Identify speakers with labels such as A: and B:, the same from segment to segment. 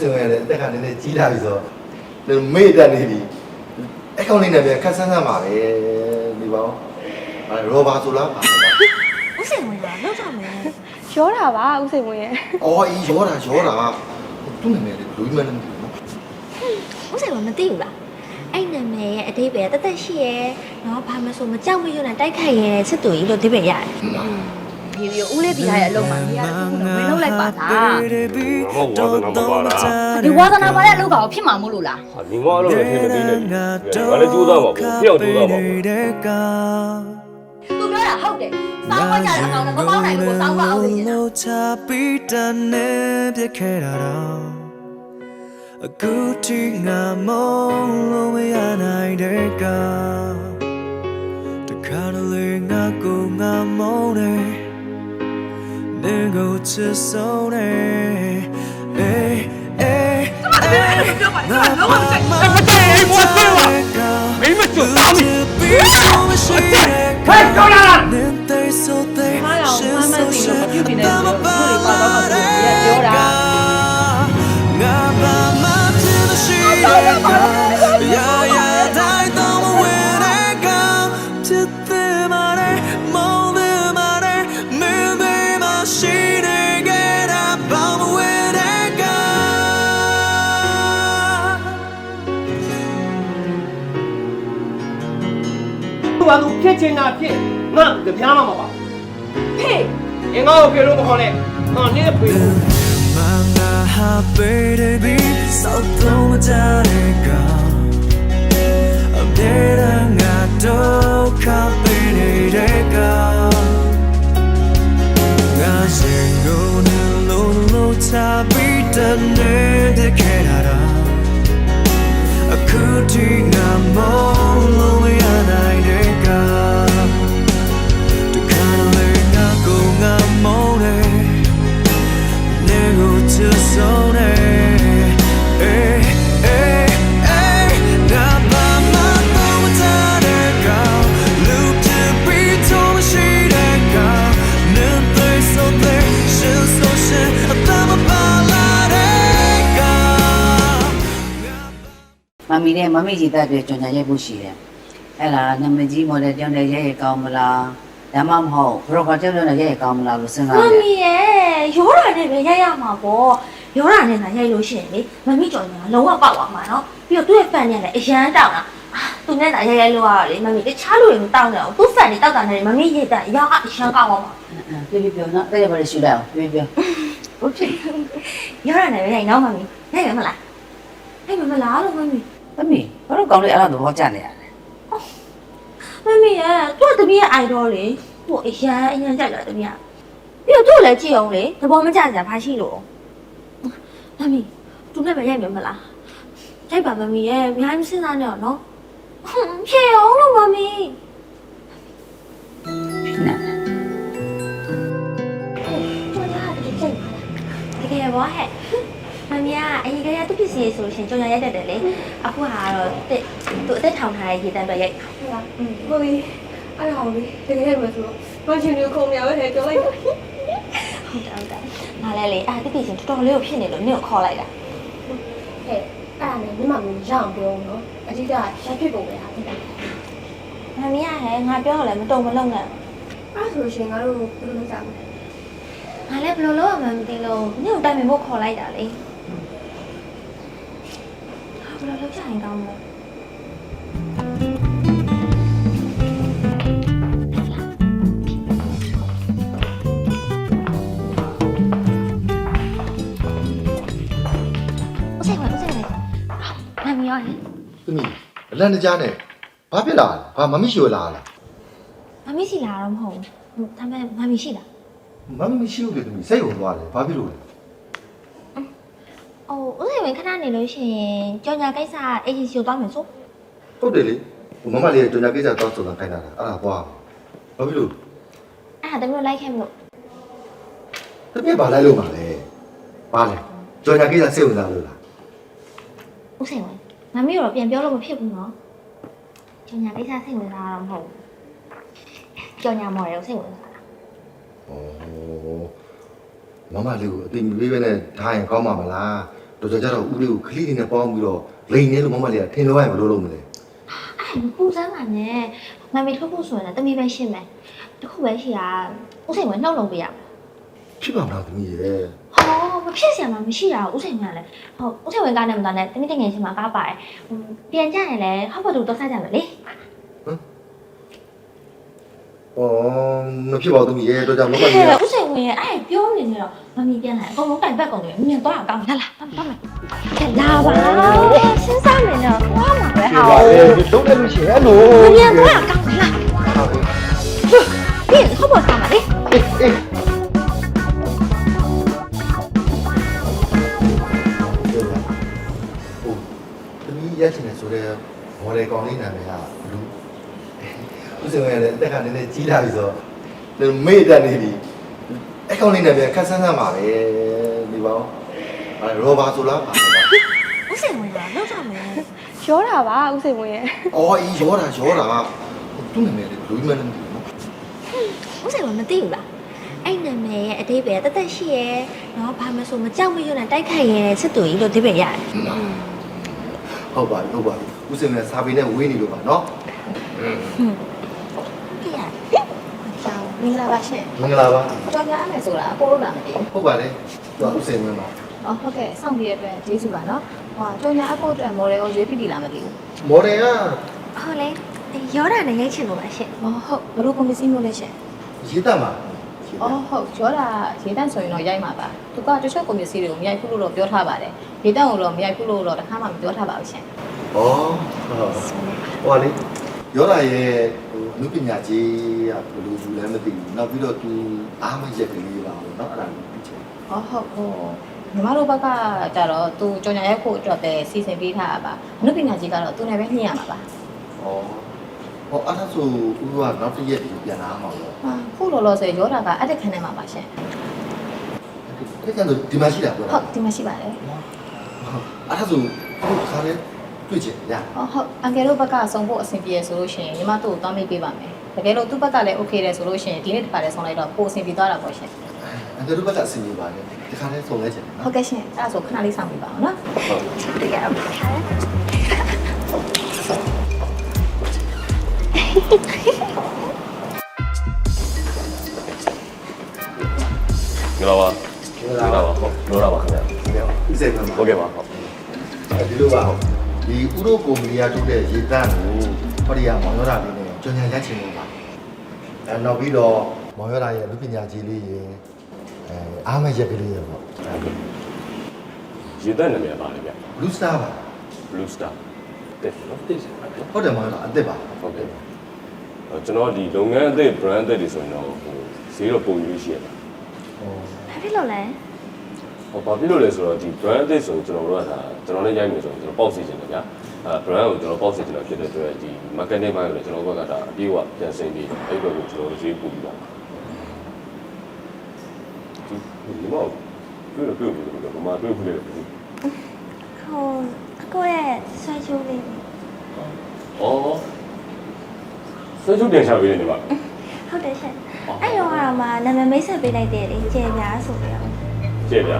A: စဉ်ဝင်ရတယ်အသက်ကနည်းနည်းကြီးလာပြီဆိုတော့မေ့တက်နေပြီအကောင့်လေးနဲ့ပြန်ခက်ဆန်းဆန်းပါပဲဒီပေါင်းရောဘာဆိုလားပါလား
B: ဦးစိန်ဝင်လာလောက်ကြမယ်
C: ရောတာပါဦးစိန်ဝင်ရဲ့
A: အော်အေးရောတာသူ့နာမည်လေးလူကြီးမလည်းမသိဘူးနော်
B: ဦးစိန်ဝင်မသိဘူးလားအဲ့နာမည်ရဲ့အတိတ်ပဲတသက်ရှိရဲ့နော်ဘာမှဆိုမကြောက်မရွံ့နဲ့တိုက်ခိုက်ရဲ့စစ်တူကြီးလို့ဒီပဲရတယ်
C: ဒီလိုဦးလေးပြရရဲ့အလုပ်မှာနေရာတစ်ခုတော့မင်းလုပ်လိုက်ပါလား
D: ဒီဝါသနာပါတဲ့အလုပ်ကောင်ဖြစ်မှာမို့လို့လား
E: 你妈都是听没听的，完了就到嘛，不要就到嘛。
D: သူပြောတာဟုတ်တယ်စောင်းမကြတဲ့အကောင်နဲ့မပေါင်းနိုင်လို့စောင်းမအောင်နေတယ်
F: အခုထိငါမလို့မရနိုင်တဲ့ကတခါတလေငါကိုငါမုန်းတယ်နေကိုချစ်ဆုံးတယ်အေးအေးငါလုံးဝမကြိုက်ဘူးမကြိုက်ဘူးမောသေးပါမင်းမကြွတောင်းပြီဟဲ့ကြောက်လာနေသေးဆိုသေးရှင်းဆိုရှင်းပြုပြီးနေတယ်သူတွေပါတော့မှသူတွေပြောတာငါဘာမှမရှိတဲ့ကရာရာတိုင်းတော့ဝဲတဲ့ကချစ်တဲ့မာတဲ့မောင်းတဲ့မာတဲ့မင်းတွေမရှိတဲ့ကဘာမှဝဲတဲ့က
G: ဘာလို့ဖြစ်ချင်တာဖြစ်ငါကြပြားမှာမပါဟေးငါ့ကိုပြေလို့မခေါ်နဲ့ငါနင်းပြေလို့
F: Manga baby so don't judge I'm dead and I don't copy the I sing go no tabi done the canada I could think I'm all we are night the color not go I'm on to zone hey hey hey na ba ma to ta de ga look to be to she de ga nen they so they should so shit ta ma ba la de ga
H: မမီနဲ့မမီကြီးတက်တဲ့ကြောင်ညာရိုက်ဖို့ရှိတယ်အဲ့ဒါနာမည်ကြီးမော်ဒယ်ကြောင်တဲ့ရိုက်ရကောင်းမလားဒါမှမဟုတ်ဘရော့ကကြောင်တဲ့ရိုက်ရကောင်းမလားလို့စဉ်းစား
B: မ
H: တယ်
B: မီရဲ့ရောတာနဲ့ပဲရိုက်ရမှာပေါ့ရောတာနဲ့ငါရိုက်လို့ရှိရင်လေမမီကြော်ညာလုံးဝပေါက်သွားမှာနော်ပြီးတော့သူ့ရဲ့ဖန်နဲ့လည်းအရန်တောင်းတာသူနဲ့သာရိုက်လို့ရတော့လေမမီတခြားလူတွေမတောင်းတော့သူ့ဖန်တွေတောက်တာနဲ့မမီရိုက်တာအရာအရန်ကောက်သွားမှာ
H: ပြောနော်တဲ့ဘာလဲရှူလိုက်အောင်ပြောဟုတ်ဖြစ်
B: ရောတာနဲ့ပဲရိုက်နော်မမီရိုက်ရမလားရိုက်မလားလို့မမီ
H: သမီးဘာလို့ကောင်းလေးအဲ့လိုသဘောကျနေရလဲ
B: မမီရဲ့သူ့တမီးရဲ့ idol လေသူ့အရန်ကြိုက်တာတမီးကပြီးတော့သူ့လည်းကြည့်အောင်လေသဘောမကျစရာဘာရှိလို့မမီသူနဲ့ပဲရိုက်မယ်မလားရိုက်ပါမမီရဲ့အများကြီးစဉ်းစားနေတော့နော်ဖြေအောင်လို့မမီ
H: ဖြစ်နေ
B: ကျော်ရတကယ်ကြိတ်တကယ်ဘောဟဲ့မမီကအရင်ကရသူ့ပစ္စည်းဆိုလို့ရှင်ကျော်ရရိုက်တတ်တယ်လေအခုဟာတော့သူအသက်ထောင်ထားတဲ့ရေတန်းတော့ရိုက်ဟုတ်လား
C: ကိုလေးအဲ့ဒါကိုလေတကယ်ပဲဆိုတော့ဘာချင်လို့ခုံရပဲထဲပြောလိုက်တာ
B: ဟုတ်တယ်ငါလည်းလေသူ့ပစ္စည်းတော်တော်လေးကိုဖြစ်နေလို့နင့်ကိုခေါ်လိုက်တာ
C: ဟဲ့အဲ့ဒါနဲ့ညီမမျိုးရအောင်ပြောနော်အတိကရက်ဖြစ်ပုံပဲဟာတိက
B: မမီဟဲ့ငါပြောတော့လည်းမတုံမလုံးနဲ့
C: အဲ့ဆိုရှင်ငါတို့ဘယ်လိုလုပ်ကြမလဲ
B: ငါလည်းဘယ်လိုလုပ်ရမှန်းမသိလို့နင့်ကိုတိုင်ပင်ဖို့ခေါ်လိုက်တာလေဘယ်လိုလုပ်ကြရင်ကောင်းမလဲမမီရောဟဲ့
A: သမီးအလန့်တကြားနဲ့ဘာဖြစ်လာလဲဘာမမရှိလာလား
B: မမီစီလာတော့မဟုတ်ဘူးဒါပေမဲ့မမီရှိလား
A: မမရှိဘူးလေသမီးစိတ်ဝင်သွားတယ်ဘာဖြစ်လို့လဲ
B: အိုးဦးစိန်ဝင်ခဏနေလို့ရှိရင်ကြောင်ညာကိစ္စအေဂျင်စီကိုတောင်းမယ်ဆို
A: ဟုတ်တယ်လေမမလေးကကြောင်ညာကိစ္စတောင်းဆိုတာခိုင်းတာအဲ့ဒါသွားဘာဖြစ်လို့
B: အဲ့ဒါတမီးတို့လိုက်ခဲ့မလို့
A: သမီးဘာလိုက်လို့ပါလဲဘာလဲကြောင်ညာကိစ္စစိတ်ဝင်စားလို့လား
B: ဦးစိန်ဝင်မမီတော့ပြန်ပြောလို့မဖြစ်ဘူးနော်ကြောင်ညာကိစ္စစိတ်ဝင်စားတာတော့မဟုတ်ဘူးကြောင်ညာမော်ရယ်စိတ်ဝင်စားတာ
A: ဩမမလေးကိုအတိမပေးပဲနဲ့ထားရင်ကောင်းမှာမလားတော်ကြတော့ဦးလေးကိုခလေးတွေနဲ့ပေါင်းပြီးတော့လိန်နေလို့မမလေးကထင်လို့ရရင်ဘယ်လိုလုပ်မလဲ
B: အဲ့ပူစမ်းပါနဲ့မမီထုတ်ဖို့ဆိုရင်လည်းတမီပဲရှင်းမယ်တခုပဲရှိတာဥစိန်ဝင်နှုတ်လုံးပေးရမယ်
A: ဖြစ်ပါမလားသမီးရဲ့
B: ဟောမဖြစ်စရာမရှိတာဥစိန်ဝင်ကလည်းဟုတ်ဥစိန်ဝင်ကားနဲ့မတော်နဲ့တမီတငယ်ချင်းမှာကားပါတယ်ပြန်ကြရင်လည်းဟောက်ဘတ်တူတော့စားကြမယ်လေ
A: မဖြစ်ပါဘူးသမီးရဲ့တော်ကြမမလေးက
B: ဥစိန်ဝင်ရဲ့အဲ့ပြောနေနေတော့မမီပြန်လာအကုန်လုံးတိုင်ပတ်ကုန်တယ်မြင်သွားအောင်ကောင်းလာသွားမယ်လာပါစဉ်းစားနေတော့သွားမှာပဲဟာ
A: လုံးတယ်လို့ရှိရင်အဲ့လို
B: မြင်သွားအောင်ကောင်းလာပြီးဟောက်ဘတ်စားမှာလေ
A: အေးသမီးရချင်တယ်ဆိုတော့မော်ဒယ်ကောင်လေးနာမည်ကလူဦးစင်ဝင်ရဲ့အသက်ကနည်းနည်းကြီးလာပြီဆိုတော့မေ့တက်နေပြီအကောင်လေးနာမည်ခက်ဆန်းဆန်းပါပဲဒီပေါင်းရောဘာဆိုလားပါ
B: ဥစိန်ဝင်ကလောက်ကြမယ်
C: ရောတာပါဥစိန်ဝင်ရဲ့
A: အော်အေးရောတာသူ့နာမည်လေးလူကြီးမလည်းမသိဘူးနော်
B: ဥစိန်ဝင်မသိဘူးလားအဲ့နာမည်ရဲ့အတိတ်ပဲတသက်ရှိရဲ့နော်ဘာမဆိုမကြောက်မရွံ့နဲ့တိုက်ခိုက်ရဲစစ်တူကြီးလို့အတိတ်ပဲရတယ်
A: ဟုတ်ပါပြီဦးစင်ဝင်စာပေနဲ့ဝေးနေလို့ပါနော်
B: ကြည့်ရတယ်ကြောင်မင်္ဂလာပါရှင်
A: မင်္ဂလာပါ
D: ကြောင်ရမယ်ဆိုတာအကိုလို့လာမသိဘူး
A: ဟုတ်ပါလေသူဦးစင်ဝင်ပါ
D: အော်ဟုတ်ကဲ့စောင့်ကြည့်ရတဲ့အတွက်ကျေးဇူးပါနော်ဟောကြောင်ရအကိုအတွက်မော်ဒယ်ကိုရွေးပြီးလာမသိဘူး
A: မော်ဒယ်က
B: ဟုတ်လေရောတာနဲ့ရိုက်ချင်လို့ပါရှင်
D: အော်ဟုတ်ဘလို့ကွန်ပစ္စည်းမျိုးလဲရှင်
A: ရေးတတ်မှာ
D: အော်ဟုတ်ရောတာရေတန့်ဆိုရင်တော့ရိုက်မှာပါသူကတချို့ကွန်ပစ္စည်းတွေကိုမရိုက်ဘူးလို့တော့ပြောထားပါတယ်ရေတန့်ကိုတော့မရိုက်ဘူးလို့တော့တစ်ခါမှမပြောထားပါဘူးရှင်
A: ဩဟိုလေရောတာရဲ့လူပညာကြီးကဘယ်လိုယူလဲမသိဘူးနောက်ပြီးတော့သူအားမရက်ကလေးပါဘူးเนาะအဲ့ဒါကိုသိချင်
D: ဟောဟုတ်ဟိုညီမတို့ဘက်ကကြတော့သူကြောင်ညာရိုက်ဖို့အတွက်ပဲစီစဉ်ပေးထားတာပါအနုပညာကြီးကတော့သူနဲ့ပဲညှိရမှာပါ
A: ဩဟောအဲ့ဒါဆိုဦးကနောက်တစ်ရက်ပြန်လာမှာပေါ့
D: ဟာခုလောလောဆယ်ရောတာကအတက်ခံနေမှာပါရှင်
A: အဲ့ဒါဆိုဒီမှာရှိတာပြော
D: ဟု
A: တာ
D: တ်ဒီမှာရှိပါတယ်
A: အဲ့ဒါဆိုခုခါလေးတွေ့ချင်ရ
D: ဟုတ်အန်ကယ်တို့ဘက်ကစုံဖို့အဆင်ပြေဆိုလို့ရှိရင်ညီမတို့ကိုသွားမေးပေးပါမယ်တကယ်လို့သူ့ဘက်ကလည်း okay တယ်ဆိုလို့ရှိရင်ဒီနေ့တစ်ခါတည်းဆောင်လိုက်တော့ပိုအဆင်ပြေသွားတာပေါ့ရှင်
A: အဲ့ဒါတို့ဘက်ကအစီအစဉ်ပါလေဒီခါလေးဆုံးလဲချင်တယ်
D: ဟု
A: နော်
D: တ်ကဲ့ရှင်အဲ့ဒါဆိုခဏလေးဆောင်ပေးပါအောင်နော်
B: တရားပါ
E: ငလာပါဟုတ်ပြောတာပါခင်ဗျာ
A: ဥစိန်ဝင်ပါ
E: ဟုတ်ကဲ့ပါဟုတ်
A: ဒီလိုပါဒီဥရောကုမ္ပဏီကထုတ်တဲ့ရေတန့်ကိုဟောဒီကမောင်ရတာလေးနဲ့ကြော်ညာရချင်လို့ပါအဲနောက်ပြီးတော့မောင်ရတာရဲ့လူပညာကြီးလေးရေအားမရက်ကလေးရေပေါ့
E: ရေတက်နာမည်ပါလေဗျ
A: Blue Star ပါ
E: Blue Star တက်နော်တက်ပါဗျ
A: ဟုတ်တယ်မောင်ရတာအစ်စ်ပါ
E: ဟုတ်ကဲ့ကျွန်တော်ဒီလုပ်ငန်းအသစ် brand အသစ်တွေဆိုရင်တော့ဟိုဈေးတော့ပုံရွေးရှိရပါ
B: ဘာဖြစ်လို့လဲ
E: ဟောဘာဖြစ်လို့လဲဆိုတော့ဒီ brand အသစ်ဆိုရင်ကျွန်တော်တို့ကဒါကျွန်တော်လည်းရိုက်မယ်ဆိုရင်ကျွန်တော်ပေါက်စီချင်တယ်ဗျာbrand ကိုကျွန်တော်ပေါက်စီချင်တာဖြစ်တဲ့အတွက်ဒီ marketing ဘက်ကိုလည်းကျွန်တော်ဘက်ကဒါအပြေးအဝပြန်ဆင်းပြီးအဲ့ဘက်ကိုကျွန်တော်ဈေးပို့ပြီးပါဒီမောက်တွေ့လို့ဘာမှတွေ့ဘူးလေ
B: ဟိုအကိုရဲ့ဆွဲချိုးလေး
E: อ๋อဆွေးချုပ်တင်ချပေးနေပါ
B: ဟုတ်တယ်ရှင်အဲ့တော့ကတော့မှနာမည်မိတ်ဆက်ပေးလိုက်တယ်လေကျေပြားဆိုပြီးတော့
E: ကြည့်ဗျာ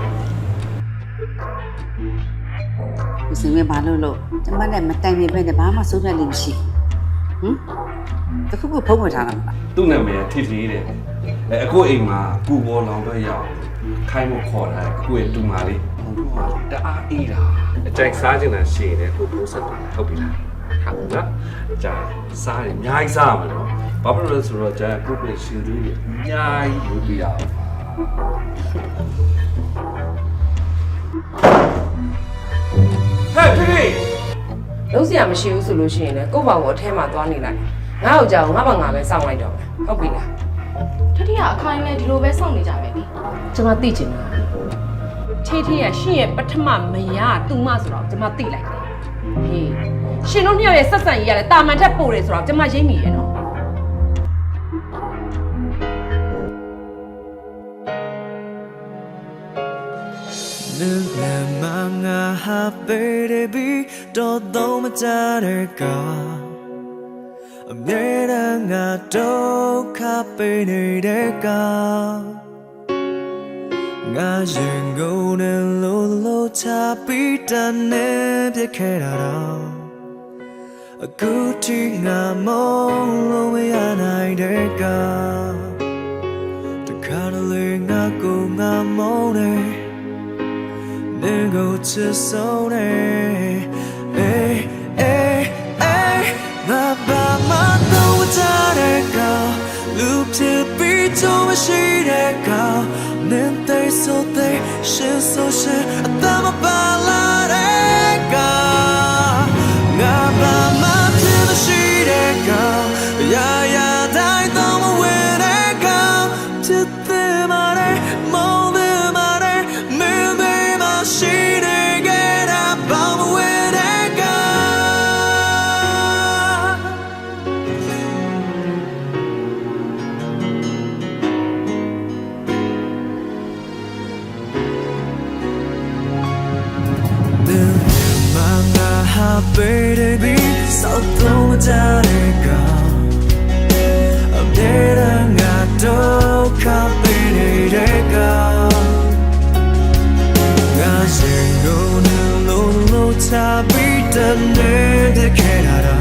H: ဦးစင်ဝင်ဘာလို့ကျမနဲ့မတိုင်ပင်ပဲနဲ့ဘာမှစိုးဖြတ်လို့မရှိဟမ်တခုခုဖုံးဝယ်ထားတာမလား
I: သူ့နာမည်ထိထိတဲ့အခုအိမ်မှာကူပေါ်လောင်တော့ရောက်ခိုင်းဖို့ခေါ်တာအခုရဲ့တူမာလေးတအားအေးတာအကြိုက်စားချင်တာရှည်တယ်ကိုပိုးဆက်တာဟုတ်ပြီလားဟုတ်နော်ကြာစားရင်အများကြီးစားရမှာနော်ဘာဖြစ်လို့လဲဆိုတော့ကြာကိုပြည့်ရှင်လေးအများကြီးလုပ်ပြရအောင်ဟဲ့ထိထိ
J: လုံးစရာမရှိဘူးဆိုလို့ရှိရင်လည်းကိုယ့်ဘောင်ကိုအထဲမှာသွားနေလိုက်ငါ့ကိုကြောက်ငါ့ဘာငါပဲစောင့်လိုက်တော့မယ်ဟုတ်ပြီလား
C: ထထရအခိုင်းလဲဒီလိုပဲစောင့်နေကြမယ်ဒီ
J: ကျွန်မသိချင်တာ
C: ထေးထေးရရှင့်ရဲ့ပထမမယားတူမဆိုတော့ကျွန်မသိလိုက်တယ်ဟေးရှင်တို့နှစ်ယောက်ရဲ့ဆက်ဆံရေးကလည်းတာမန်ထက်ပိုတယ်ဆိုတော့ကျွန်မရိပ်မိရဲ့နော်
F: Nunamanga baby todo matareka Ameranga do kapenedeka ngã dừng ngô nên lô lô cha biết đàn nè biết khe đà đâu cứ chỉ ngã mong lô mấy anh ai để cả từ khá là lời ngã cô ngã mong này nên go chưa sâu này ê ê ê ngã bà má đâu cha để cả lúc chưa biết cho mà chỉ để cả nên tay số tay sẽ số sẽ ta mà ba la để cả ngã bà má chưa mà chỉ để cả ya ya dai tao mà quên để cả chưa thế mà để mong thế mà để mình thế mà chỉ để cái đã bao mà quên để cả baby sao không cha để cả em để đang ngạt đâu khắp bên để cả ngã dừng ngô nên lô lô cha biết đàn để khe đà